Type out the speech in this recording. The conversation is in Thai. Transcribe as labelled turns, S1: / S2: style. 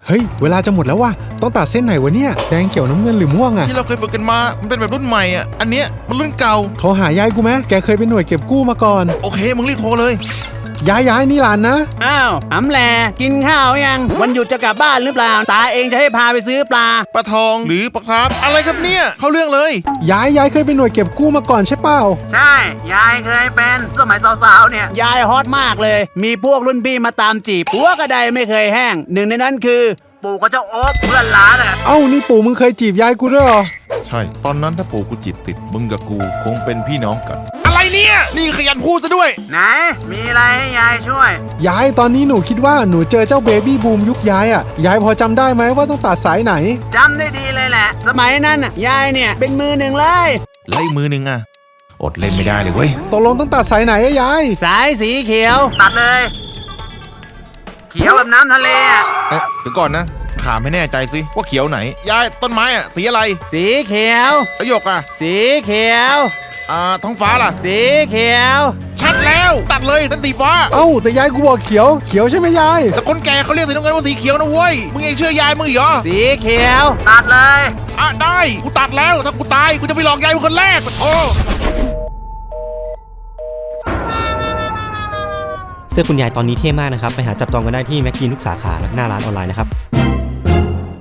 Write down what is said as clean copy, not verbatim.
S1: เฮ้ยเวลาจะหมดแล้วว่ะต้องตัดเส้นไหนวะเนี่ยแดงเขียวน้ำเงินหรือม่วงอะ
S2: ที่เราเคยฝึกกันมามันเป็นแบบรุ่นใหม่อ่ะอันเนี้ยมันรุ่นเก่า
S1: โทรหายายกูไหมแกเคยเป็นหน่วยเก็บกู้มาก่อน
S2: โอเคมึงรีบโทรเลย
S1: ยายนี่หลานนะ
S3: อ้าวหำแหล่กินข้าวยังวันหยุดจะกลับบ้านหรือเปล่าตาเองจะให้พาไปซื้อปลา
S2: ทองหรือปลาครับอะไรครับเนี่ยเข้าเรื่องเลย
S1: ยายเคยเป็นหน่วยเก็บกู้มาก่อนใช่เปล่า
S3: ใช่ยายเคยเป็นสมัยสาวๆเนี่ยยายฮอตมากเลยมีพวกรุ่นพี่มาตามจีบหัวกระไดไม่เคยแห้งหนึ่งในนั้นคือปู่กับเจ้าโอ๊บเพื่อนล้านอ่ะ
S1: เอ้านี่ปู่มึงเคยจีบยายกูด้วยเหรอ
S2: ใช่ตอนนั้นถ้าปู่กูจีบติดมึงกับกูคงเป็นพี่น้องกันอะไรเนี่ยนี่ขยันพูดซะด้วย
S3: ไหนมีอะไรให้ยายช่วย
S1: ยายตอนนี้หนูคิดว่าหนูเจอเจ้าเบบี้บูมยุคยายอ่ะยายพอจำได้ไหมว่าต้องตัดสายไหน
S3: จำได้ดีเลยแหละสมัยนั้นน่ะยายเนี่ยเป็นมือหนึ่งเลย
S2: ไล่มือหนึ่งอ่ะอดเล่นไม่ได้เลยเว้ย
S1: ตกลงต้องตัดสายไหนอะยาย
S3: สายสีเขียวตัดเลยเขียวแบบน้ำทะเลอ่ะ
S2: เดี๋ยวก่อนนะถามให้แน่ใจสิว่าเขียวไหนยายต้นไม้อ่ะสีอะไร
S3: สีเขียว
S2: ประโยคอ่ะ
S3: สีเขียว
S2: ท้องฟ้าล่ะ
S3: สีเขียว
S2: ชัดแล้วตัดเลยเป็นสีฟ้า
S1: เอ้าแต่ยายกูบอกเขียวใช่ไหมยาย
S2: แต่คนแก่เขาเรียกสีน้ำเงินว่าสีเขียวนะเว้ยมึงยังเชื่อยายมึงเหรอ
S3: สีเขียวตัดเลย
S2: ได้กูตัดแล้วถ้ากูตายกูจะไปหลอกยายมึงคนแรกโอ้
S4: เสื้อคุณยายตอนนี้เท่มากนะครับไปหาจับจองกันได้ที่แม็กกีนทุกสาขาและหน้าร้านออนไลน์นะครับ